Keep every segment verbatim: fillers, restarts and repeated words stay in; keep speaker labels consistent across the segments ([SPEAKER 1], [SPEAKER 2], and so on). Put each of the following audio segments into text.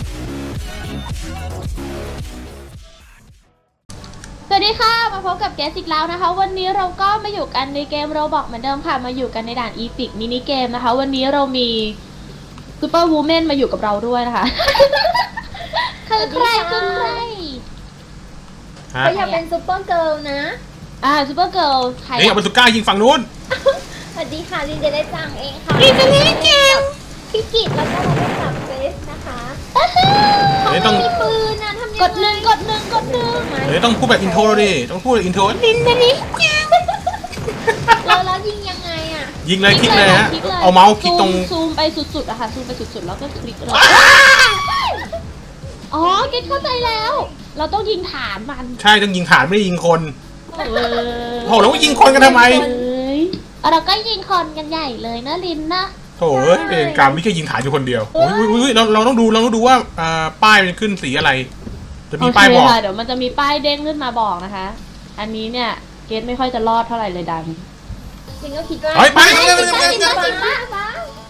[SPEAKER 1] สวัสดีค่ะมาพบกับแกสอีกแล้วนะคะวันนี้เราก็มาอยู่กันในเกมโรบอกเหมือนเดิมค่ะมาอยู่กันในด่านอีพิกมินิเกมนะคะวันนี้เรามีซูเปอร์วูแมนมาอยู่กับเราด้วยนะคะคือใครคือใคร
[SPEAKER 2] ก็อยากเป็นซูเปอร์เกิร์ลนะ
[SPEAKER 1] อ่าซูเปอร์เกิร์ลใคร
[SPEAKER 3] นี่เอาบาซูก้ายิงฝั่งนู้น
[SPEAKER 2] สวัสดีค่ะลินเดได้จังเองค่ะ
[SPEAKER 1] ลินเดได้จัง
[SPEAKER 2] พี่กิตแล้วก็เราเป็นกับเฟสนะคะ
[SPEAKER 3] เดี๋ยวต้อง
[SPEAKER 2] มีปืนนะทำยังไง
[SPEAKER 1] กดหนึ่งกดหนึ่งกดหนึ่ง
[SPEAKER 3] เดี๋ยวต้องพูดแบบอินโทรดิต้องพูดแบบอินโทร
[SPEAKER 1] ลินเดได้จัง
[SPEAKER 2] เราแล้วยิงยังไงอ่ะ
[SPEAKER 3] ยิงเลยคลิกเลยฮะ
[SPEAKER 1] คลิกลย
[SPEAKER 3] เอาเมาส์คลิกตรง
[SPEAKER 1] ซูมซูมไปสุดๆอะค่ะซูมไปสุดๆแล้วก็คลิกเลยอ๋อเกตเข้าใจแล้ว เราต้องยิงฐานมัน
[SPEAKER 3] ใช่ต้องยิงฐานไม่ได้ยิงคน
[SPEAKER 1] เออ
[SPEAKER 3] โหแล้วว่ายิงคนกันทำไม
[SPEAKER 1] เอ้ยเราก็ยิงคนกันใหญ่เลยนะลินนะ
[SPEAKER 3] โถเอ้ยเองการไม่แค่ยิงฐานอยู่คนเดียวโอ้ยอุ้ยอุ้ยเราเราต้องดูเราต้องดูว่าอ่าป้ายมันขึ้นสีอะไร จะมี
[SPEAKER 1] โอเค
[SPEAKER 3] ป้ายบอก
[SPEAKER 1] ค่ะเดี๋ยวมันจะมีป้ายเด้งขึ้นมาบอกนะคะ อันนี้เนี่ยเกตไม่ค่อยจะรอดเท่าไหร่เลยดัง
[SPEAKER 2] จริงก็คิดว่า
[SPEAKER 3] เฮ้ยไป
[SPEAKER 2] จ
[SPEAKER 3] เร็ว
[SPEAKER 2] ริ
[SPEAKER 3] เร็
[SPEAKER 2] ง
[SPEAKER 3] ว
[SPEAKER 2] จ
[SPEAKER 3] เร็ว
[SPEAKER 2] ริง
[SPEAKER 3] เร็ว
[SPEAKER 2] จ
[SPEAKER 3] เร็ว
[SPEAKER 2] ริงป้าป้า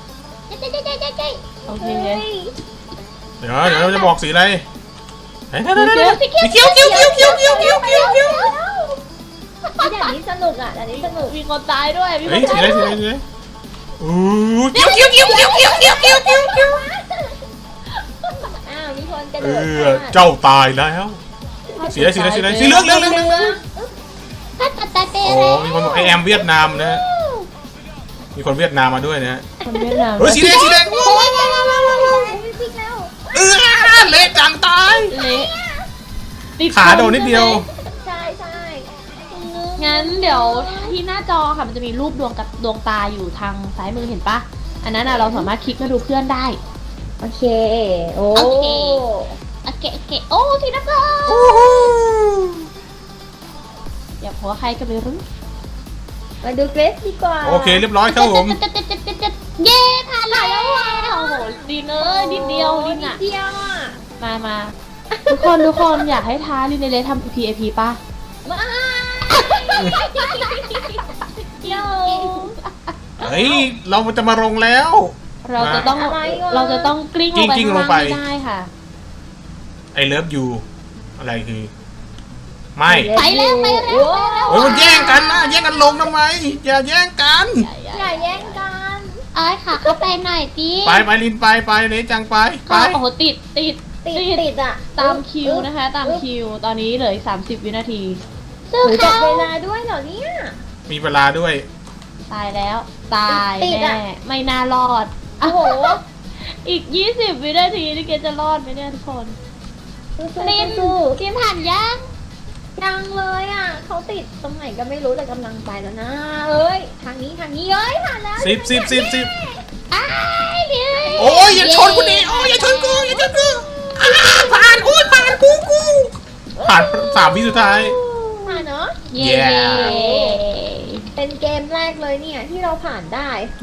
[SPEAKER 1] โอเค
[SPEAKER 2] เฮ้ย
[SPEAKER 3] เดี๋ยวเดี๋ยวเราจะบอกสีอะไรเฮ้ยเดี๋ยว
[SPEAKER 1] สี
[SPEAKER 3] เดี๋ยว
[SPEAKER 1] เขี
[SPEAKER 3] เดี๋
[SPEAKER 1] ย
[SPEAKER 3] ยว วสีเขียวเขียวเขียวเขียวเขียวเขียวเขียวเขียว
[SPEAKER 2] ด่านนี้สนุกอ่ะด่านนี้สนุก
[SPEAKER 1] มีคนตายด้วยมีค
[SPEAKER 3] เฮ้ย
[SPEAKER 1] น
[SPEAKER 3] สี
[SPEAKER 1] ตาย
[SPEAKER 3] อะไรสี
[SPEAKER 1] ด้
[SPEAKER 3] อะ
[SPEAKER 1] ว
[SPEAKER 3] ไร
[SPEAKER 1] ย
[SPEAKER 3] สีอะไรอู้เขียวเขียวเขียวเขียวเขียวเขียวเขียวเขียวเขียว
[SPEAKER 2] อ้าวมีคนกระโด
[SPEAKER 3] เอ
[SPEAKER 2] ด
[SPEAKER 3] อเจ้าตายแล้วสีอะไรสีอะไรสีอะไรสีเหลืองเหลืองเหลืองเหลืองเหลือง
[SPEAKER 1] ถ้าตัดตายไป
[SPEAKER 3] โอ้
[SPEAKER 1] แล้ว
[SPEAKER 3] มีคนบอกไอแอมเวียดนามนะฮะมีคนเวียดนามมาด้วยนะฮะ
[SPEAKER 1] คนเวียดนาม
[SPEAKER 3] เฮ้ยสีแดงสีแดง
[SPEAKER 2] โอ้ยว้าวว้าวว้าวว้าวจริงแล้ว
[SPEAKER 3] เออเละจังตาย
[SPEAKER 1] เละติด
[SPEAKER 3] ขาโดนนิดเดียว
[SPEAKER 2] ใช่ใช่
[SPEAKER 1] งั้นเดี๋ยวที่หน้าจอค่ะมันจะมีรูปดวงกับดวงตาอยู่ทางซ้ายมือเห็นปะอันนั้นอะเราสามารถคลิกมาดูเพื่อนได้
[SPEAKER 2] โอเคโอ้
[SPEAKER 1] โอเค โอเคโอเคโอ้สีน้ำเงินอย่าพอใครก็ไม่รู้
[SPEAKER 2] มาดูเกรซดีกว่า
[SPEAKER 3] โอเคเรียบร้อยครับผม
[SPEAKER 1] เย้ผ่านแล้วอ่ะโอ้โหดีเนอะนิดเดียวลิน
[SPEAKER 2] นิ
[SPEAKER 1] อ่ะ
[SPEAKER 2] ดเดียวอ่ะ
[SPEAKER 1] มามาทุกคนทุกคนอยากให้ท้าลินเลยทำ พี เอ พี ป่ะ
[SPEAKER 2] มาโย
[SPEAKER 3] เฮ้ยเราจะมาลงแล้ว
[SPEAKER 1] เราจะต้อง
[SPEAKER 2] อะไรวะ
[SPEAKER 1] เราจะต้องกลิ้งลงไป
[SPEAKER 3] กลิ้ง
[SPEAKER 1] ข้าง
[SPEAKER 3] ล
[SPEAKER 1] ล่าง ง
[SPEAKER 3] ไป
[SPEAKER 1] ไม่ได้ค่ะ
[SPEAKER 3] ไอเลิฟยูอะไรคือ ไม่
[SPEAKER 1] ไปแล้วไปแล้วไปแล้ว
[SPEAKER 3] เฮ้ยมันแย่งกันนะแย่งกันลงทำไมอย่าแย่งกัน
[SPEAKER 2] อย่าแย่งกัน
[SPEAKER 1] เอ้ยค่ะเข้าไปหน่อยดิ
[SPEAKER 3] ไปไปลินไปไปเละจังไปไป
[SPEAKER 1] โอ้โหติดติด
[SPEAKER 2] ติดติดอ่ะ
[SPEAKER 1] ตามคิวนะคะ ตามคิวตอนนี้เหลืออีกสามสิบวินาที
[SPEAKER 2] หรือจับเวลาด้วยเหรอเนี่ย
[SPEAKER 3] มีเวลาด้วย
[SPEAKER 1] ตายแล้ว ตาย
[SPEAKER 2] ติด
[SPEAKER 1] แน่
[SPEAKER 2] อะ
[SPEAKER 1] ไม่น่ารอด
[SPEAKER 2] โอ้โห
[SPEAKER 1] อีกยี่สิบวินาทีนี่เกจะรอดไหมเนี่ยทุกคน ลิน
[SPEAKER 2] สู้
[SPEAKER 1] ทีมผ่านยัง
[SPEAKER 2] ๆยังเลยอ่ะเขาติดตรงไหนก็ไม่รู้แต่กำลังไปแล้วนะเอ้ยทางนี้ทางนี้เอ้ยผ่านแล้ว
[SPEAKER 3] สิบสิบสิบสิบ
[SPEAKER 1] อ้ายเดี๋ยว
[SPEAKER 3] โอ้ยอย่าชนกูดิโอ้ยอย่าชนกูอย่าชนกูอ้าผ่านโอ้ยผ่านกูกูผ่านสามวิสุดท้าย
[SPEAKER 2] ผ่านเนาะ
[SPEAKER 1] เย้
[SPEAKER 3] Yeah
[SPEAKER 2] เป็นเกมแรกเลยเนี่ยที่เราผ่านได้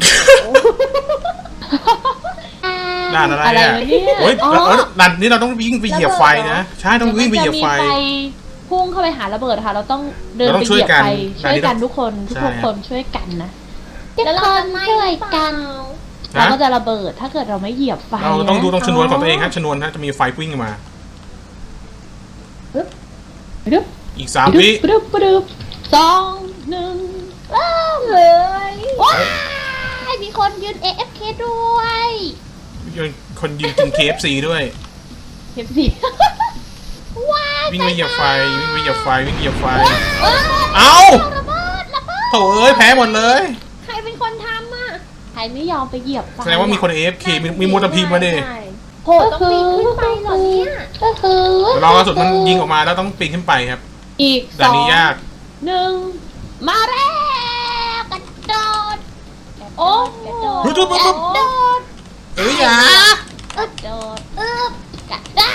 [SPEAKER 3] ด่านอะไร
[SPEAKER 1] อะไร
[SPEAKER 3] อ่ะ
[SPEAKER 1] วะเนี่ย
[SPEAKER 3] โอ้ย
[SPEAKER 1] อ๋อ
[SPEAKER 3] เออด่านนี้เราต้องวิ่งไปเหยียบไฟนะใช่ต้องวิ่งไปเหยียบไฟ
[SPEAKER 1] มันจะมีพุ่งเข้าไปหาระเบิดค่ะ เราต้องเดิน
[SPEAKER 3] เราต้
[SPEAKER 1] ไป
[SPEAKER 3] อง
[SPEAKER 1] เหยียบไฟ
[SPEAKER 3] ช่วยกัน
[SPEAKER 1] ช่วยกันทุกคนทุก
[SPEAKER 3] ใช่
[SPEAKER 1] คนช่วยกันนะ
[SPEAKER 2] แล้วเราจะไม่
[SPEAKER 1] ช่วยกัน
[SPEAKER 3] นะ
[SPEAKER 1] เราก็จะระเบิดถ้าเกิดเราไม่เหยียบไฟ
[SPEAKER 3] เราต้องดูตรงชนวนของตัวเอง
[SPEAKER 1] ค
[SPEAKER 3] ค
[SPEAKER 1] รั
[SPEAKER 3] รับชนวนฮะจะมีไฟวิ่งมา
[SPEAKER 1] ดึ๊บ
[SPEAKER 3] อีกสามวิ
[SPEAKER 1] ดึ๊บดึ๊บดึ๊บสองหนึ่งว้าว
[SPEAKER 2] เลย
[SPEAKER 1] ว้ายมีคนยืน เอ เอฟ เค ด้วย
[SPEAKER 3] คนยืนกิน เค เอฟ ซี ด้วย
[SPEAKER 1] เอฟซีว้าย
[SPEAKER 3] วิ่งไปเหยียบไฟวิ่งไปเหยียบไฟวิ่งเหยียบไฟ
[SPEAKER 1] ว้าย
[SPEAKER 3] เอ้า
[SPEAKER 1] ระเบิดระเบิด
[SPEAKER 3] โถเอ้ยแพ้หมดเลย
[SPEAKER 2] ใครเป็นคนทำอ่ะ
[SPEAKER 1] ใครไม่ยอมไปเหยียบไฟ
[SPEAKER 3] แสดงว่ามีคน เอ เอฟ เค มีมีมอเตอร์พิมพ์มาดิ
[SPEAKER 2] ใช่โหต้องปีนขึ้นไปเหรอเนี่ย
[SPEAKER 1] ก็คือ
[SPEAKER 3] เดี๋ยวรอกระสุนมันยิงออกมาแล้วต้องปีนขึ้นไปครับ
[SPEAKER 1] อีกส
[SPEAKER 3] ด่าน
[SPEAKER 1] อง
[SPEAKER 3] นี้ยาก
[SPEAKER 1] หนึ่งมาแล้วกระโดดโอ้กระโดด
[SPEAKER 3] เฮ้ยปุ๊บปุ๊บปุ๊บ
[SPEAKER 1] กระโดด
[SPEAKER 3] เอ้ยอย่าก
[SPEAKER 1] ระโดดอึบกระด้า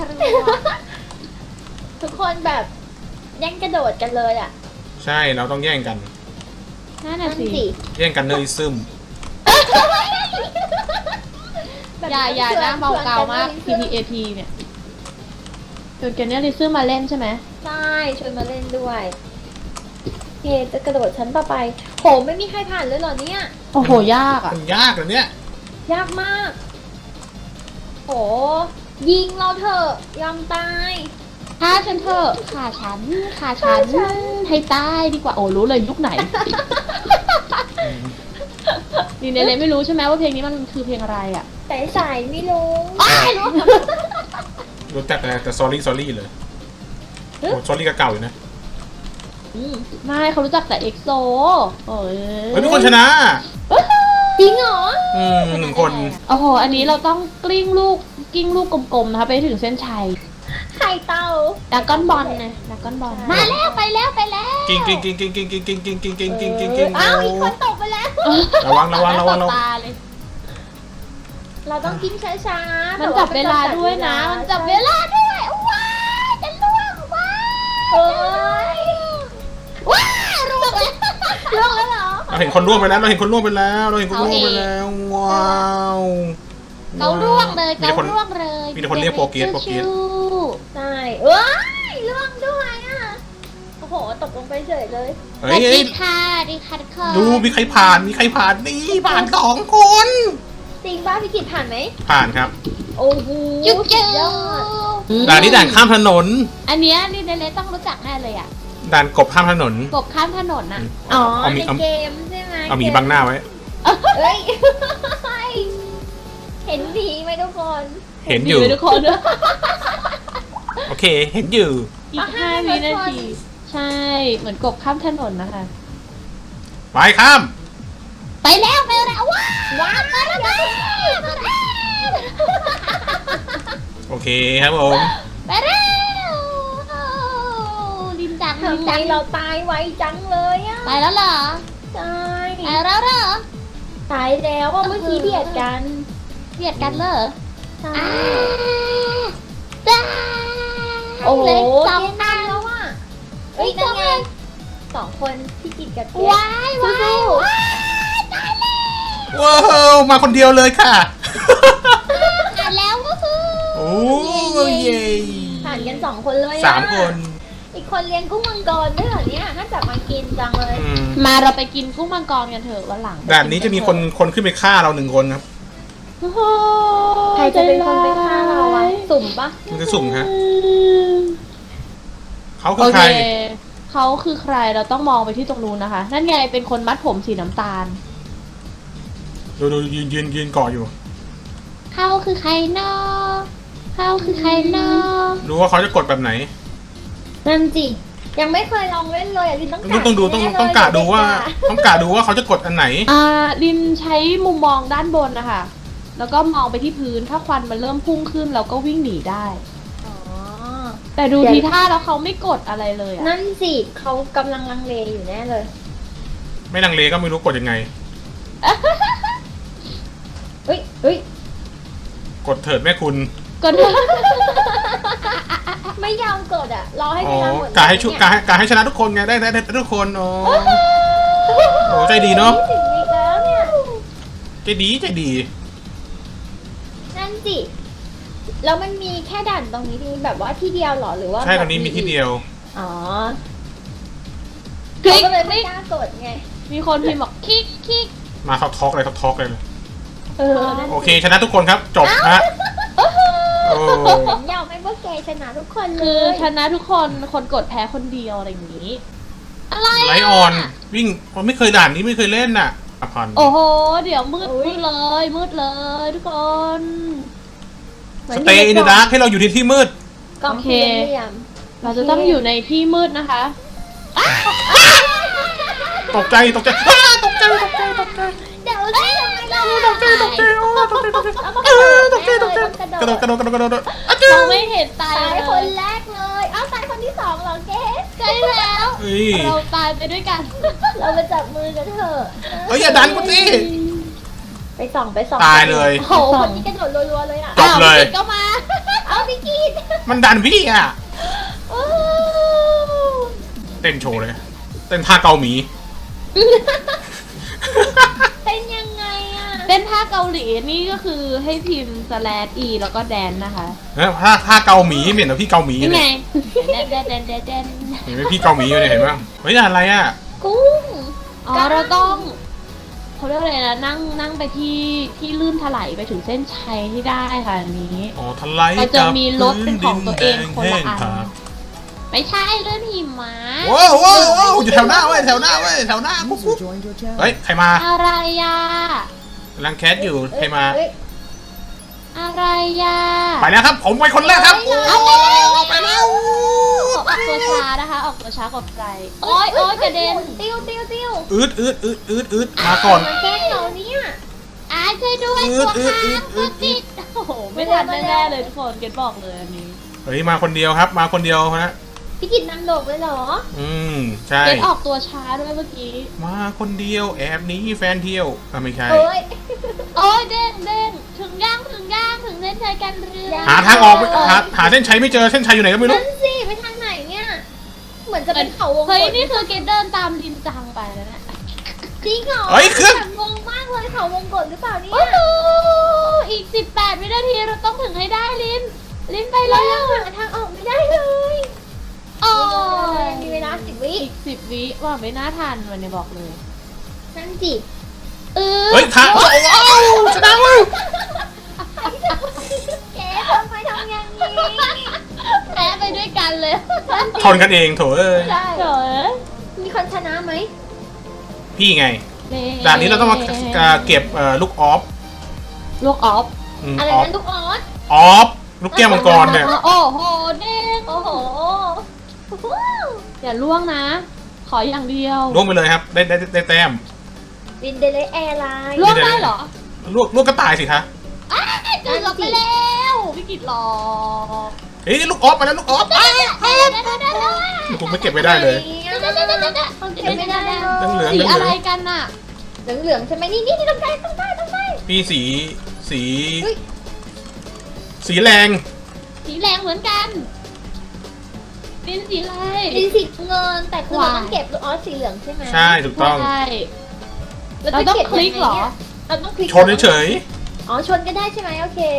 [SPEAKER 2] ทุกคนแบบแย่งกระโดดกันเลยอ่ะ
[SPEAKER 3] ใช่เราต้องแย่งกัน
[SPEAKER 1] นั่น
[SPEAKER 2] นั่
[SPEAKER 1] น่ะ
[SPEAKER 2] น
[SPEAKER 1] สิ
[SPEAKER 2] สิ
[SPEAKER 3] แย่งกันเนยซึม
[SPEAKER 1] อย่าอย่านะเบาเกามาก พี พี เอ พี เนี่ยจนเกนเนี่ยลิซึมมาเล่นใช่ไหม
[SPEAKER 2] ใช่ชวนมาเล่นด้วยเฮจะกระโดดชั้นต่อไปโหไม่มีใครผ่านเลยเหรอเนี่ย
[SPEAKER 1] โอ้โห ยากอ่ะ
[SPEAKER 3] มันยากเหรอเนี่ย
[SPEAKER 2] ยากมากโหยิงเราเถอะยอมตาย
[SPEAKER 1] ฆ่าฉันเถอะฆ่าฉันฆ่าฉัน
[SPEAKER 2] ฆ่าฉัน
[SPEAKER 1] ให้ตายดีกว่าโอ้รู้เลยยุคไหน นี่เนเล่ไม่รู้ใช่ไหมว่าเพลงนี้มันคือเพลงอะไรอ่ะ
[SPEAKER 2] แต่สายไม่รู้
[SPEAKER 1] อ้ายรู้
[SPEAKER 3] รู้จักแต่แต่ sorry sorry เลยโอ้ sorry ก็เก่าอยู่นะ
[SPEAKER 1] อืมไม่เขารู้จักแต่เอ็กโซโอ้ย
[SPEAKER 3] เฮ้ยมีคนชนะ
[SPEAKER 2] จริงเหรอ
[SPEAKER 3] อืมหนึ่งคน
[SPEAKER 1] โอ้โหอันนี้เราต้องกลิ้งลูกกลิ้งลูกกลมๆนะคะไปถึงเส้นชัย
[SPEAKER 2] ไข่เต่า
[SPEAKER 1] ดากอนบอลไงดากอนบอลมาแล้วไปแล้วไปแล้ว
[SPEAKER 3] กิ้งกิ้งกิ้งกิ้งกิ้งกิ้งกิ้งกิ้งกิ้งกิ้งกิ้งกิ้งกิ้ง
[SPEAKER 2] อ้าวอีกคนตกไปแล้ว
[SPEAKER 3] ระวังระวังระวังระวัง
[SPEAKER 1] ตาเลย
[SPEAKER 2] เราต้องกินช้าๆ
[SPEAKER 1] มันจับเวลาด้วยนะ มันจับเวลาด้วยว้ายจะล่วงว้าย
[SPEAKER 2] เอ้ย
[SPEAKER 1] ว้ายร่วงแล้ว
[SPEAKER 2] ล่วงแล้วเหรอ
[SPEAKER 3] เราเห็นคนร่วงไปแล้วเราเห็นคนร่วงไปแล้วเราเห็นคนร่วงไปแล้วว้าว
[SPEAKER 1] เขาร่วงเลย
[SPEAKER 3] มีแต่
[SPEAKER 1] เขา
[SPEAKER 3] คน
[SPEAKER 1] ร่วงเลย
[SPEAKER 3] มีแต่คนเรียกโปรเกรสโปรเกรส
[SPEAKER 2] ใช่เอ้ยล่วงด้วยอ่ะ โอ้โห ตกลงไปเฉยเลย
[SPEAKER 3] เฮ้
[SPEAKER 1] สวั
[SPEAKER 3] ย
[SPEAKER 1] ส
[SPEAKER 3] เฮ้
[SPEAKER 1] ดี
[SPEAKER 3] ย
[SPEAKER 1] ค่ะดีค่ะทุกคน
[SPEAKER 3] ดูมีใครผ่านมีใครผ่านนี่ผ่านสองคน
[SPEAKER 2] จริงป้าพี่กิตผ่านไหม
[SPEAKER 3] ผ่านครับ
[SPEAKER 2] โอ้โห
[SPEAKER 1] จุ๊บจุ๊
[SPEAKER 2] สุดยอด
[SPEAKER 3] ด่านนี้ด่านข้ามถนน
[SPEAKER 1] อันเนี้ยนี่เนเน่ต้องรู้จักแน่เลยอ่ะ
[SPEAKER 3] ด่านกบข้ามถนน
[SPEAKER 1] กบข้ามถนนน่ะ
[SPEAKER 2] อ๋อ
[SPEAKER 3] เอาหมี
[SPEAKER 2] ใน
[SPEAKER 3] เอา
[SPEAKER 2] เกมใช่ไหม
[SPEAKER 3] เอาหมีบังหน้าไว้
[SPEAKER 2] เฮ้ย เห็นผีไหมทุกคน
[SPEAKER 3] เห็นอยู่
[SPEAKER 1] ทุกคน
[SPEAKER 3] โอเค เห็นอยู่
[SPEAKER 1] อีกห้าวินาทีใช่เหมือนกบข้ามถนนนะคะ
[SPEAKER 3] ไปข้าม
[SPEAKER 1] ไปแล้วไปแล้วว้าว
[SPEAKER 2] ว้าวมาแล้ว
[SPEAKER 3] โอเคครับผม
[SPEAKER 1] ไปแล้วลิมจังลิม
[SPEAKER 2] ทำไม
[SPEAKER 1] จัง
[SPEAKER 2] เราตายไวจังเลยอ่ะ
[SPEAKER 1] ไปแล้วเหรอ
[SPEAKER 2] ตาย
[SPEAKER 1] ไปแล้วเหรอ
[SPEAKER 2] ตายแล้วว่าเมื่อกี้เบียดกัน
[SPEAKER 1] เบียดกันเหรอ
[SPEAKER 2] ใช่
[SPEAKER 1] อ่าจ้า
[SPEAKER 2] โอ้โห
[SPEAKER 1] เหล็กส
[SPEAKER 2] เก
[SPEAKER 1] อง
[SPEAKER 2] ม
[SPEAKER 1] อั
[SPEAKER 2] ตาน แล้วอ่ะเฮ้ย
[SPEAKER 1] อีกส
[SPEAKER 2] นั่
[SPEAKER 1] อน ง
[SPEAKER 2] ไง
[SPEAKER 1] อัน
[SPEAKER 2] สองคนพี่กิตกับเก
[SPEAKER 1] ว้ายว้ายว้ายตายแล้ว
[SPEAKER 3] ว้าวมาคนเดียวเลยค่ะ
[SPEAKER 1] อ่านแล้วก็คือ
[SPEAKER 3] โอ้ยเย้
[SPEAKER 2] ผ่านกันสองคนเลยอะ
[SPEAKER 3] สามคน
[SPEAKER 2] อีกคนเลี้ยงกุ้งมังกรด้วยเหรอเนี่ยน่าจะมากินจังเลย
[SPEAKER 3] อืม
[SPEAKER 1] มาเราไปกินกุ้งมังกรกันเถอะวันหลัง
[SPEAKER 3] ด่านนี้จะมีคนคนขึ้นไปฆ่าเราหนึ่งคนครับ
[SPEAKER 1] โอ้โห
[SPEAKER 2] ใครจะเป็นคนไปฆ่าเราอะสุ่มปะ
[SPEAKER 3] มันจะสุ่มฮะเขาคื
[SPEAKER 1] โอ
[SPEAKER 3] อใค
[SPEAKER 1] เค
[SPEAKER 3] ร
[SPEAKER 1] เขาคือใครเราต้องมองไปที่ตรงนู้นนะคะ นั่นไงเป็นคนมัดผมสีน้ำตาล
[SPEAKER 3] ดูดูยืนยืนยืนเกาะอยู่
[SPEAKER 1] เขาคือใครเนาะเขาคือใครเนาะ
[SPEAKER 3] รู้ว่าเขาจะกดแบบไหน
[SPEAKER 2] นั่นจิยังไม่เคยลองเล่นเลยอ่ะลินต้อง
[SPEAKER 3] ต้องต้องดูต้องต้องกะดูว่า ต้องกะดูว่าเขาจะกดอันไหน
[SPEAKER 1] อ่าลินใช้มุมมองด้านบนนะคะ แล้วก็มองไปที่พื้น ถ้าควันมันเริ่มพุ่งขึ้นเราก็วิ่งหนีได้
[SPEAKER 2] อ๋อ
[SPEAKER 1] แต่ดูทีท่าแล้วเขาไม่กดอะไรเลยอะ
[SPEAKER 2] นั่นสิเขากำลังลังเลอยู่แน่เลย
[SPEAKER 3] ไม่ลังเลก็ไม่รู้กดยังไง
[SPEAKER 2] เฮ้ยเฮ้ย
[SPEAKER 3] กดเถิดแม่คุณ
[SPEAKER 1] กดเลย
[SPEAKER 2] ไม่ยอมกดอ่ะรอให้
[SPEAKER 3] อ๋
[SPEAKER 2] เว
[SPEAKER 3] อ
[SPEAKER 2] ลาหมด
[SPEAKER 3] กาให้ชุกาให้กาให้ชนะทุกคนไงได้ได้ได้ทุกคนอ๋อโอ้ใจดีเนาะ
[SPEAKER 2] ถึงอีกแล้วเนี่ย
[SPEAKER 3] ใจดีใจดี
[SPEAKER 2] นั่นสิแล้วมันมีแค่ด่านตรงนี้ที่แบบว่าที่เดียวเหรอหรือว่า
[SPEAKER 3] ใช่ตอนนี้มีที่เดียว
[SPEAKER 2] อ๋อ
[SPEAKER 1] คลิ
[SPEAKER 2] เขา
[SPEAKER 1] ก
[SPEAKER 2] ก็เลย
[SPEAKER 1] ค
[SPEAKER 2] ไม่
[SPEAKER 1] ลิก
[SPEAKER 2] กล้ากดไง
[SPEAKER 1] มีคนพิมพ์บอกคลิกคลิก
[SPEAKER 3] มาท็อกท็อกเลยท็อกท็อกเลย
[SPEAKER 2] เออนั่น
[SPEAKER 3] โอเคชนะทุกคนครับจบฮะโอ้
[SPEAKER 2] ผมยอมให้พวกแกชนะทุกคนเล
[SPEAKER 1] คือย ชนะทุกคนคนกดแพ้คนเดียวอะไรอย่างนี้ อะไร
[SPEAKER 3] ไลออนวิ่งผมไม่เคยด่านนี้ไม่เคยเล่นน่ะอภัน
[SPEAKER 1] โอ้โห เดี๋ยวมืดมืดเลยมืดเลยทุกคน
[SPEAKER 3] สเตย์อินเดอะดาร์กให้เราอยู่ในที่มืด
[SPEAKER 2] กล่อง
[SPEAKER 1] โอเค
[SPEAKER 2] สี่เหลี่ยม
[SPEAKER 1] เราจะต้องอยู่ในที่มืดนะคะ
[SPEAKER 3] ตกใจตกใจอ้าตกใจตกใจตกใจ
[SPEAKER 2] เดี๋ยวสิทำไมล่ะ
[SPEAKER 3] ตกใจตกใจโอ้ตกใจตกใจเออตกใจตกใจกระโดดกระโดดกระโดดกระโดดอ่ะเจ้า
[SPEAKER 1] เราไม่เห็นตาย
[SPEAKER 2] ตาย
[SPEAKER 1] เล
[SPEAKER 2] คน
[SPEAKER 1] ย
[SPEAKER 2] แรกเลยเอ้าตายคนที่สองเหรอเกส
[SPEAKER 1] ใช่แล้ว
[SPEAKER 3] เฮ้ย
[SPEAKER 1] เราตายไปด้วยกัน
[SPEAKER 2] เราไปจับมือกันเถอะ
[SPEAKER 3] เฮ้ยอย่าดันกูสิ
[SPEAKER 2] ไปส่องไปส่อง
[SPEAKER 3] ตายเลย
[SPEAKER 2] โอ้โหคนนี้กระโดดรัวๆเลยอ่ะ
[SPEAKER 3] จบเลย
[SPEAKER 1] อ้าวพี่ก็มา
[SPEAKER 2] เอาพี่กีด
[SPEAKER 3] มันดันพี่อ่ะ
[SPEAKER 2] โอ้
[SPEAKER 3] เต้นโชว์เลย เต้นท่าเกาหมี
[SPEAKER 2] เป็นยังไงอ่ะ
[SPEAKER 1] เต้นท่าเกาหลีนี่ก็คือให้พิมพ์ slash e แล้วก็แดนนะคะ
[SPEAKER 3] เฮ้ยท่าท่าเกาหมีเหม็นเหรอพี่เกาหมี
[SPEAKER 1] นี่ไง
[SPEAKER 3] เนี่ย
[SPEAKER 1] แดนแดนแดนแดน
[SPEAKER 3] เห็นไหมพี่เกาหมีอยู่เนี่ยเห็นไหมเฮ้ยอะไรอ่ะ
[SPEAKER 2] กุ้ง
[SPEAKER 1] อ๋อเราต้อง ผเรียกอะไรนะนั่งนั่งไปที่ที่ลื่นถลายไปถึงเส้นชัยที่ได้ค่ะอันนี้
[SPEAKER 3] อ๋อทลาย
[SPEAKER 1] เราจะ
[SPEAKER 3] กับ
[SPEAKER 1] มีรถเป็นของตัวเองคนละอัน
[SPEAKER 3] แห้ง
[SPEAKER 1] ไม่ใช่ลื่นหิมะ
[SPEAKER 3] ๆว้าวว้าวว้าวอยู่แถวหน้าเว้ยแถวหน้าเว้ยแถวหน้ากุ๊กกุ๊กเฮ้ยใครมา
[SPEAKER 1] อะไรยะ
[SPEAKER 3] กำลังแคสอยู่ใครมา
[SPEAKER 2] เอ้ย
[SPEAKER 1] อะไรยะ
[SPEAKER 3] ไปแล้วครับผมไปคนแรกครับเอาไปแล้ว
[SPEAKER 1] ออกตัวช้านะคะ ออกตัวช้ากว่าใครโอ้ยโอ้ยกระเด็น
[SPEAKER 2] ติ้วติ้วติ้ว
[SPEAKER 3] อืดอืดอืดอืดอืดมาก่อน
[SPEAKER 2] มาแกล้งเราเนี่ย
[SPEAKER 1] อาช่วยด้วย
[SPEAKER 3] อื
[SPEAKER 1] ตัว
[SPEAKER 3] ดอืด
[SPEAKER 1] ค้าง
[SPEAKER 3] อื
[SPEAKER 1] ตัว
[SPEAKER 3] ด
[SPEAKER 1] ติดโอ้โหไม่ทันแน่ๆเลยทุกคนเกดบอกเลยอันนี้
[SPEAKER 3] เฮ้ยมาคนเดียวครับมาคนเดียวนะ
[SPEAKER 2] พี่กินนำโลกเลยเหรอ
[SPEAKER 3] อืมใช่
[SPEAKER 1] เกดออกตัวช้าด้วยเมื่อกี้
[SPEAKER 3] มาคนเดียวแอบหนี้แฟนเที่ยวอ่ะไม่ใช่
[SPEAKER 2] เอ้ย
[SPEAKER 1] โอ้ยเด้งเด้งถึงย่างถึงย่างถึงเส้นชัยกันเรือ
[SPEAKER 3] หาทางออกไม่หาหาเส้นชัยไม่เจอเส้นชัยอยู่ไหนก็ไม่รู้
[SPEAKER 2] นั่นสิไปทางไหนเนี่ย เหมือนจะเป็นเขาวงก
[SPEAKER 1] เฮ้ย
[SPEAKER 2] ต
[SPEAKER 1] นี่คือเกดเดินตามลินจังไปแล้วเนี่ย
[SPEAKER 2] จริงเหรอ
[SPEAKER 3] เฮ้ยเครื่อง
[SPEAKER 2] แบบงงมากเลยเขาวงกตหรือเปล่าเนี่ย
[SPEAKER 1] โอ้โหอีกสิบแปดวินาทีเราต้องถึงให้ได้ลินลินไป
[SPEAKER 2] เรา
[SPEAKER 1] แล้ว
[SPEAKER 2] ยังหาทางออกไม่ได้เลย
[SPEAKER 1] โอ้ย
[SPEAKER 2] มีเวลาสิบวิ
[SPEAKER 1] อีกสิบวิว่าไม่น่าทันวันนี้บอกเลย
[SPEAKER 2] นั่นสิ
[SPEAKER 1] เออ
[SPEAKER 3] เฮ้ยทางโอ้โหชนะแล้ว
[SPEAKER 2] แกทำไมทำอย่างนี้
[SPEAKER 1] แพ้ไปด้วยกันเลย
[SPEAKER 3] ทนกันเองโถเอ้ย
[SPEAKER 2] ใช่
[SPEAKER 1] เจ๋อ
[SPEAKER 2] มีคนชนะไหม
[SPEAKER 3] พี่ไงด่านนี้เราต้องมาเก็บเอ่อลูกออฟ
[SPEAKER 1] ลูกออฟ
[SPEAKER 3] อืม
[SPEAKER 2] อะไร
[SPEAKER 3] ออฟ
[SPEAKER 2] นั้นลูกออส
[SPEAKER 3] ออฟลูกแก้วมังกรเนี่ย
[SPEAKER 1] โอ้โหเด้ง
[SPEAKER 2] โอ้โห
[SPEAKER 1] อย่าล่วงนะ ขออย่างเดียว
[SPEAKER 3] ล่วงไปเลยครับได้ได้ได้แต้ม
[SPEAKER 2] วินเดเลแอร์ไลน์
[SPEAKER 1] ล่วงได้เหรอ
[SPEAKER 3] ล่วงล่วงก็ตายสิคะ
[SPEAKER 1] อ้าวเกือบไปแล้วพี่กิตหลอก
[SPEAKER 3] เฮ้ยลูกออฟมาแล้วลูกออฟอ้าว
[SPEAKER 1] เอ้ยได้ได้ได้ได้
[SPEAKER 3] ผมไม่เก็บไม่ได้เลย
[SPEAKER 1] ได้ได้ได้ได้ได้
[SPEAKER 2] เก็บไม่ได้เลย
[SPEAKER 3] เหลือง
[SPEAKER 1] สี
[SPEAKER 3] เหลือง
[SPEAKER 1] อะไรกันน่ะ
[SPEAKER 2] เหลืองเหลืองๆใช่ไหมนี่นี่นี่ต้องได้ต้องได้ต้องได้
[SPEAKER 3] พี่สีสี
[SPEAKER 2] เฮ้ย
[SPEAKER 3] สีแรง
[SPEAKER 1] สีแรงเหมือนกันลินสีอะไร
[SPEAKER 2] เป็นสีเงินแต่คือเรา
[SPEAKER 1] วาย
[SPEAKER 2] ต้องเก็บลูกออสสีเหลืองใช่ไหม
[SPEAKER 3] ใช่ถูกต้อง
[SPEAKER 1] ใช่
[SPEAKER 2] จะ
[SPEAKER 1] เราต้อง
[SPEAKER 2] ก็บ
[SPEAKER 1] คลิกเหรอ
[SPEAKER 2] ยังไงนี่ยเราต้องคลิก
[SPEAKER 3] ชนเฉย
[SPEAKER 2] อ๋อชนก็ได้ใช่ไหมโอเค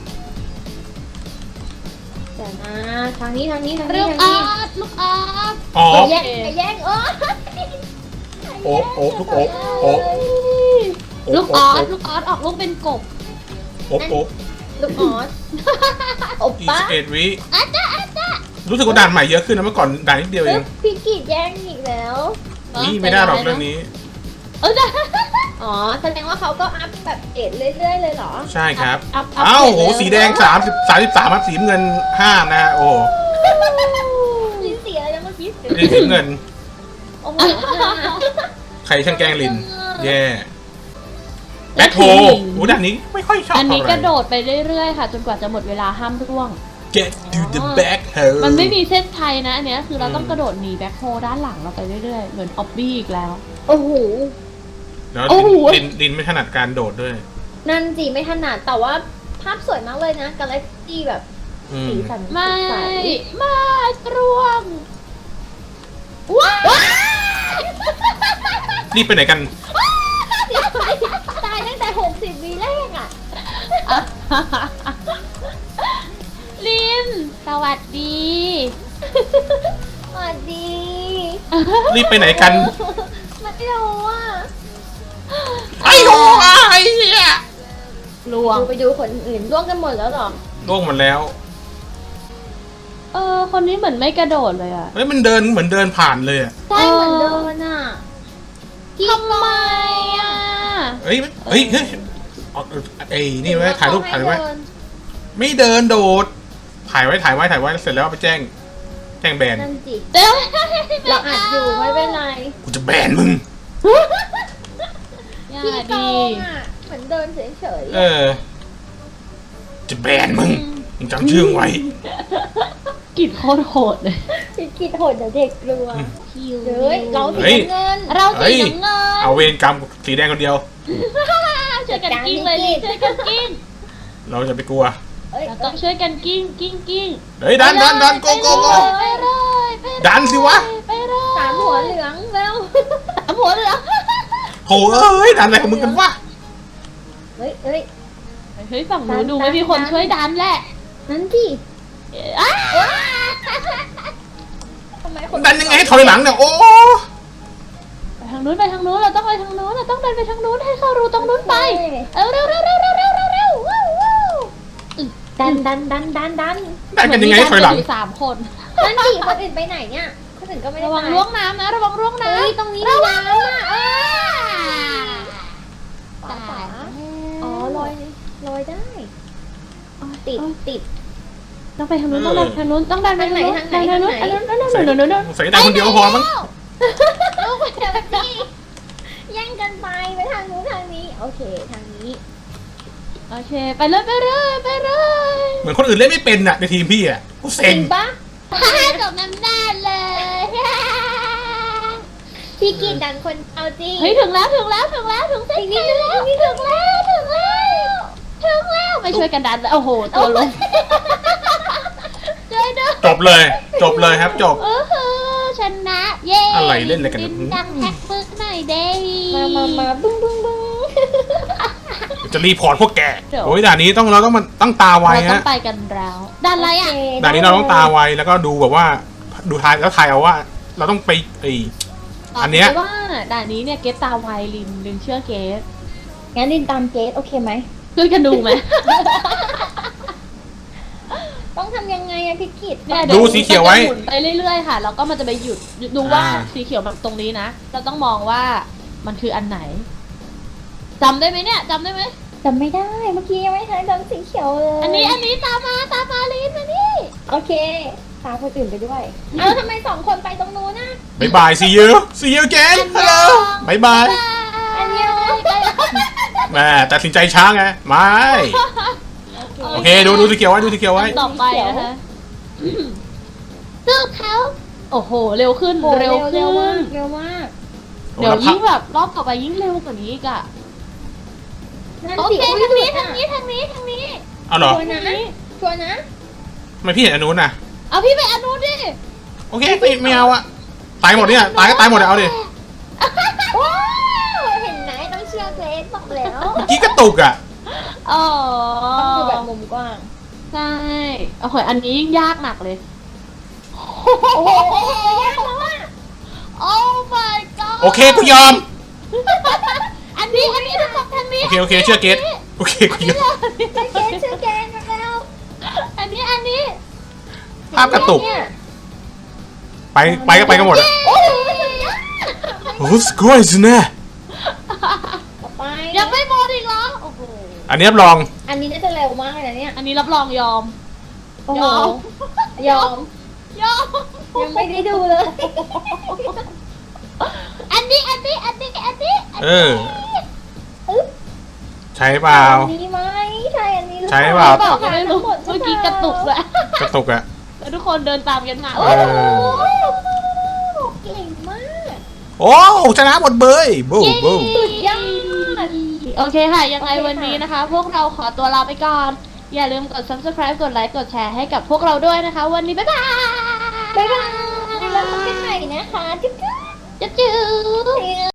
[SPEAKER 2] เดี๋ยวนะทางนี้ทางนี้ทาง
[SPEAKER 1] ลู
[SPEAKER 2] นี้
[SPEAKER 1] ก
[SPEAKER 2] ทาง
[SPEAKER 1] อ
[SPEAKER 2] นี้
[SPEAKER 1] อสลูกออส
[SPEAKER 3] ๆออ
[SPEAKER 2] ไป
[SPEAKER 3] ฟ
[SPEAKER 2] แย่งไปแย่งเออ
[SPEAKER 3] โอ๊ะโอ๊ะลูกโอ๊ะโอ๊ะ
[SPEAKER 1] ลูกออสลูกออสออกลูกเป็นกบ
[SPEAKER 3] โอ๊ะโอ๊ะ
[SPEAKER 2] ลูกออสโอ
[SPEAKER 3] อีก
[SPEAKER 2] ป้า
[SPEAKER 3] สิบเอ็ดวิ
[SPEAKER 1] อาจ้าอาจ้า
[SPEAKER 3] รู้สึกว่าด่านใหม่เยอะขึ้นนะเมื่อก่อนด่านนิดเดียวเอง
[SPEAKER 2] พี่กีดแย่งอีกแล้ว
[SPEAKER 3] นี่ไม่ได้หรอกเรื่องนี้
[SPEAKER 1] เออได้
[SPEAKER 2] อ๋อแสดงว่าเขาก็อัพแบบเอ็ดเรื่อยๆเลยเหรอ
[SPEAKER 3] ใช่ครับ
[SPEAKER 1] อัพอัพ
[SPEAKER 3] อ้าว
[SPEAKER 1] เสร็จ
[SPEAKER 3] โห
[SPEAKER 1] เลย
[SPEAKER 3] สีแดงสามสิบสามสิบสามครับสีเงินห้านะฮะโอ้
[SPEAKER 2] ลิ้นเสียแล้วเมื่อกี้
[SPEAKER 3] ลินสีเงิน
[SPEAKER 2] โอ้โห
[SPEAKER 3] ใครช่างแกล้งลิน แย่แบ็คโฮโอ้ด่านนี้ไม่ค่อยชอบ
[SPEAKER 1] อันนี้
[SPEAKER 3] เท่าไห
[SPEAKER 1] ก
[SPEAKER 3] ร่
[SPEAKER 1] ระโดดไปเรื่อยๆค่ะ จนกว่าจะหมดเวลาห้ามร่วง
[SPEAKER 3] Get to the back hole
[SPEAKER 1] มันไม่มีเส้นชัยนะอันเนี้ยคือเราต้องกระโดดหนีแบ็คโฮด้านหลังเราไปเรื่อยๆ เหมือนออบบี้อีกแล้ว
[SPEAKER 2] โอ้โห
[SPEAKER 3] แล้ว
[SPEAKER 1] โอ้โห
[SPEAKER 3] ลินลินไม่ถนัดการโดดด้วย
[SPEAKER 2] นั่นสิไม่ถนัดแต่ว่าภาพสวยมากเลยนะกาแล็กซี่แบบ
[SPEAKER 3] อืม
[SPEAKER 2] สีสันส
[SPEAKER 1] ไม่
[SPEAKER 2] ดใส
[SPEAKER 1] ไม่ร่วงว้าว
[SPEAKER 3] รีบไปไหนกัน
[SPEAKER 2] ตายตั้งแต่หกสิบวิแรกอ่ะ
[SPEAKER 1] ลิน สวัสดี
[SPEAKER 2] สวัสดี
[SPEAKER 3] รีบไปไหนกัน
[SPEAKER 2] ไม่รู้อ่ะ
[SPEAKER 3] ไอ้โอ้ไอ้เหี้ย
[SPEAKER 1] ล่วง
[SPEAKER 2] ดูไปดูคนอื่นร่วงกันหมดแล้วเหรอ
[SPEAKER 3] ล่วงหมดแล้ว
[SPEAKER 1] เออ คนนี้เหมือนไม่กระโดดเลยอะ
[SPEAKER 3] เฮ้ยมันเดินเหมือนเดินผ่านเลยอะ
[SPEAKER 2] ใช่เหมือนเดินอ่ะ
[SPEAKER 1] ทำไมอะ
[SPEAKER 3] เฮ้ยเฮ้ยเฮ้ยเอาไอ้นี่ไว้ถ่ายรูปถ่ายไว้
[SPEAKER 2] เดิน
[SPEAKER 3] ไม่เดินโดด ถ่ายไว้ถ่ายไว้ถ่ายไว้เสร็จแล้วเอาไปแจ้ง แจ้งแบน
[SPEAKER 2] นั่นสิ
[SPEAKER 1] เดี๋ยว
[SPEAKER 2] เราอัดอยู่ไม่เป็นไร
[SPEAKER 3] กูจะแบนมึง
[SPEAKER 1] อย่า
[SPEAKER 2] พี่โต
[SPEAKER 1] ดี
[SPEAKER 2] งอ่ะเหมือนเดินเฉย
[SPEAKER 3] เออ จะแบนมึงมึงจำชื่อไว้
[SPEAKER 1] กลิ่นโคตรโหดเลย
[SPEAKER 2] ๆพี่คิดโหดเดี๋ยวเด็กกลัว
[SPEAKER 1] คิว
[SPEAKER 2] เฮ้ยเราสี
[SPEAKER 3] เฮ้ย
[SPEAKER 2] น้ำเงิน
[SPEAKER 1] เรา
[SPEAKER 3] เฮ้
[SPEAKER 1] สี
[SPEAKER 3] ย
[SPEAKER 1] น้ำเงิน
[SPEAKER 3] เอาเวรกรรมสีแดงคนเดียว
[SPEAKER 1] ช่วยกันกิ้งเลยลินช่วยกันกิ้ง
[SPEAKER 3] เราจะไปกลัว
[SPEAKER 2] เอ้ย
[SPEAKER 1] เราต้องช่วยกันกิ้งกิ้งกิ้ง
[SPEAKER 3] เฮ้ยดันดันดันโกโกโก
[SPEAKER 1] ไปเลยไปเลย
[SPEAKER 3] ดันสิวะ
[SPEAKER 1] ไปเลย
[SPEAKER 2] สามหัวเหลืองเร็ว
[SPEAKER 1] สามหัวเหลือง
[SPEAKER 3] โหเอ้ยดันอะไรของมึงกันวะ
[SPEAKER 2] เฮ้ยเฮ้ย
[SPEAKER 1] เฮ้ยฝั่งนู้นดูไม่มีคนช่วยดันแหละ
[SPEAKER 2] นั่นที่
[SPEAKER 1] อ้า
[SPEAKER 2] ทำไมคน
[SPEAKER 3] ดันยังไงให้ถอยหลังเนี่ยโอ้
[SPEAKER 2] ไป
[SPEAKER 1] ทางนู้นไปทางนู้นเราต้องไปทางนู้นเราต้องเดินไปทางนู้นให้เข้ารูตรงนู้นไปเออเร็วเร็วเร็วเร็วเร็วเร็วเร็วว้าวว้าว
[SPEAKER 2] ดันดันดันดันดัน
[SPEAKER 3] ได้กันยังไงถอยหลัง
[SPEAKER 1] เหมืนมีการเดินอยู่สามคน
[SPEAKER 2] นั่นดิคนอื่นไปไหนเนี่ยคนอื่นก็ไม่ได้
[SPEAKER 1] ระวัง
[SPEAKER 2] ไป
[SPEAKER 1] ล่วงน้ำนะระวังล่วงน้ำ
[SPEAKER 2] เฮ้ยตรงนี้มี
[SPEAKER 1] ระวัง
[SPEAKER 2] น้ำอ่ะ
[SPEAKER 1] เออ
[SPEAKER 2] ป๋าป๋าอ๋อลอยลอยได้ติดติด
[SPEAKER 1] ต้องไปทางนู้นต้องเดินทางนู้นต้องเดินไปทางนู้น
[SPEAKER 2] ทางไหน
[SPEAKER 1] ทางนู้น
[SPEAKER 2] ทางไหน
[SPEAKER 1] ทางนู้นทางนู้นทางนู้นทางนู้น
[SPEAKER 3] ใส่ได้คนเดียวพอมั้ง
[SPEAKER 2] ลูกเดี๋ยวพี่แย่งกันไปไปทางนู้นทางนี้โอเคทางนี้
[SPEAKER 1] โอเคไปเลยไปเลยไปเลย
[SPEAKER 3] เหมือนคนอื่นเล่นไม่เป็นน่ะในทีมพี่อ่ะกู
[SPEAKER 2] จ
[SPEAKER 3] เซ็
[SPEAKER 2] ริ
[SPEAKER 3] ง
[SPEAKER 2] งปะ
[SPEAKER 1] จบน้ำหน้าเลย
[SPEAKER 2] พี่กีดดันคนเอาจริง
[SPEAKER 1] เฮ้ยถึงแล้วถึงแล้วถึงแล้วถึงเส้นชัยแล้วถึงแล้วถึงแล้วถึงแล้วไม่ช่วยกันดันเลยโอ้โหตัวลงช่วยด้วย
[SPEAKER 3] จบเลยจบเลยครับจบ
[SPEAKER 1] เออฮือชนะเย้
[SPEAKER 3] อะไรเล่นอะไรกัน
[SPEAKER 1] ดินดังแท็กปึ๊กหน่อยเด้
[SPEAKER 2] มามามาบึ้งบึ้งบึ้ง
[SPEAKER 3] จะรีพอร์ตพวกแกโอ้ยด่านนี้ต้องเราต้องมันต้องตาไว
[SPEAKER 1] เราต้อ
[SPEAKER 3] ฮะ
[SPEAKER 1] งไปกันแล้วดันอะไรอ่ะ
[SPEAKER 3] ด่านนี้เราต้องตาไวแล้วก็ดูแบบว่าดูทายแล้วทายเอาว่า เราต้องไปไอ อันเนี้ย
[SPEAKER 1] ว่าด่านนี้เนี่ยเกตตาไวลินลินเชื่อเกต
[SPEAKER 2] งั้นดินตามเกสโอเคไหม
[SPEAKER 1] ช่วยกันดูไหม
[SPEAKER 2] ต้องทำยังไงอะพี่กิด
[SPEAKER 1] เนี่ย
[SPEAKER 3] ดูสีเขียวไว้
[SPEAKER 1] มันจะหมุนไปเรื่อยๆค่ะแล้วก็มันจะไปหยุดดูว่า
[SPEAKER 3] อ่า
[SPEAKER 1] สีเขียวมันตรงนี้นะเราต้องมองว่ามันคืออันไหนจำได้ไหมเนี่ยจำได้ไหม
[SPEAKER 2] จำไม่ได้เมื่อกี้ยังไม่ทันจำสีเขียวเลย
[SPEAKER 1] อันนี้อันนี้ตามมาตามมาลินมานี่
[SPEAKER 2] โอเคตามคนอื่นไปด้วยเอาทำไมสองคนไปตรงนู้นนะ
[SPEAKER 3] บายบาย see you see you again ฮัลโหลบายบาย
[SPEAKER 2] อันเดียว
[SPEAKER 3] แม่ตัดสินใจช้าไงไม่โอเคดูดูสีเขียวไว้ดูสีเขียวไว้
[SPEAKER 1] ต่อไปนะคะสู้เขาโอ้โหเร็วขึ้น
[SPEAKER 2] โห
[SPEAKER 1] เร็ว
[SPEAKER 2] เร็
[SPEAKER 1] ขึ้
[SPEAKER 2] วมาน กเร็วมาก
[SPEAKER 1] เดี๋ยวยิ่งแบบรอบต่อไปยิ่งเร็วกว่านี้อีกอะ
[SPEAKER 2] นั่น
[SPEAKER 1] โอ
[SPEAKER 2] สิ
[SPEAKER 1] เค
[SPEAKER 2] อุ้ย
[SPEAKER 1] ทางนี้
[SPEAKER 2] หลุ
[SPEAKER 1] ทาง
[SPEAKER 2] ด
[SPEAKER 1] นี้ทางนี้ทางนี้
[SPEAKER 3] เอาเหรอ
[SPEAKER 2] ชัวร์นะชัวร์นะ
[SPEAKER 3] ทำไมพี่เห็นอันนู้นน่ะ
[SPEAKER 1] เอาพี่ไปอันนู้นดิ
[SPEAKER 3] โอเคไม่ไม่เอาอะตายหมดเนี่ยตายก็ตายหมดเลยเอาดิ
[SPEAKER 2] ว้าวเห็นไหมต้องเชื่อเกรซบอกแล้ว
[SPEAKER 3] เมื่อกี้กระตุกอะ
[SPEAKER 1] อ๋อ
[SPEAKER 2] ต้องดูแบบมุมกว้าง
[SPEAKER 1] ใช่โอ้โหอันนี้ยิ่งยากหนักเลย
[SPEAKER 2] โอ้โหยากแล้วอะ
[SPEAKER 1] โอ้ my god
[SPEAKER 3] โอเคกูยอม
[SPEAKER 1] อันนี้อันนี้ทุกคนทางนี้
[SPEAKER 3] โอเคโอเคเชื่อเกตโอเคกูยอม
[SPEAKER 2] เกรซเชื่อเกรซแล้ว
[SPEAKER 1] อันนี้อันนี้
[SPEAKER 3] ภาพกระตุก
[SPEAKER 2] เนี่ย
[SPEAKER 3] ไปไปก็ไปกันหมดอะ
[SPEAKER 2] โอ้โหสุดยอด
[SPEAKER 3] โอ้สกอยส์นะ
[SPEAKER 2] ต่อไป
[SPEAKER 1] ยังไม่หมดอีกเหรอโอ้โห
[SPEAKER 3] อันนี้รับรอง
[SPEAKER 2] อันนี้น่าจะเร็วมากเลยนะเนี่ย
[SPEAKER 1] อันนี้รับรองยอม
[SPEAKER 2] โอ้โห
[SPEAKER 1] ยอม
[SPEAKER 2] ยอม
[SPEAKER 1] ยอม
[SPEAKER 2] ยังไม่ได้ดูเลย
[SPEAKER 1] อันนี้อันนี้อันนี้อันนี้
[SPEAKER 3] เออ
[SPEAKER 2] อึ๊บ
[SPEAKER 3] ใช่เปล่า
[SPEAKER 2] อันนี้ไหมใช่อันนี้หรือ
[SPEAKER 3] ใช่เปล่า
[SPEAKER 1] บอกไม่รู้เมื่อกี้กระตุกเลย
[SPEAKER 3] กระตุกอะ
[SPEAKER 1] แล้วทุกคนเดินตามกันมา
[SPEAKER 3] เอ
[SPEAKER 2] โอ้
[SPEAKER 3] อ
[SPEAKER 2] โหเก่งมาก
[SPEAKER 3] โอ้ชนะหมดเบยบูมบูม
[SPEAKER 2] สุดยอด
[SPEAKER 1] โอเคค่ะ ยังไง
[SPEAKER 2] โอเคค่ะ
[SPEAKER 1] วันนี้นะคะ พวกเราขอตัวลาไปก่อน อย่าลืมกด subscribe กดไลค์ กดแชร์ให้กับพวกเราด้วยนะคะ วันนี้บ๊ายบาย
[SPEAKER 2] บ๊ายบายแล้วพบกันใหม่นะคะจุ๊บจุ๊บ
[SPEAKER 1] จุ๊บจุ๊บ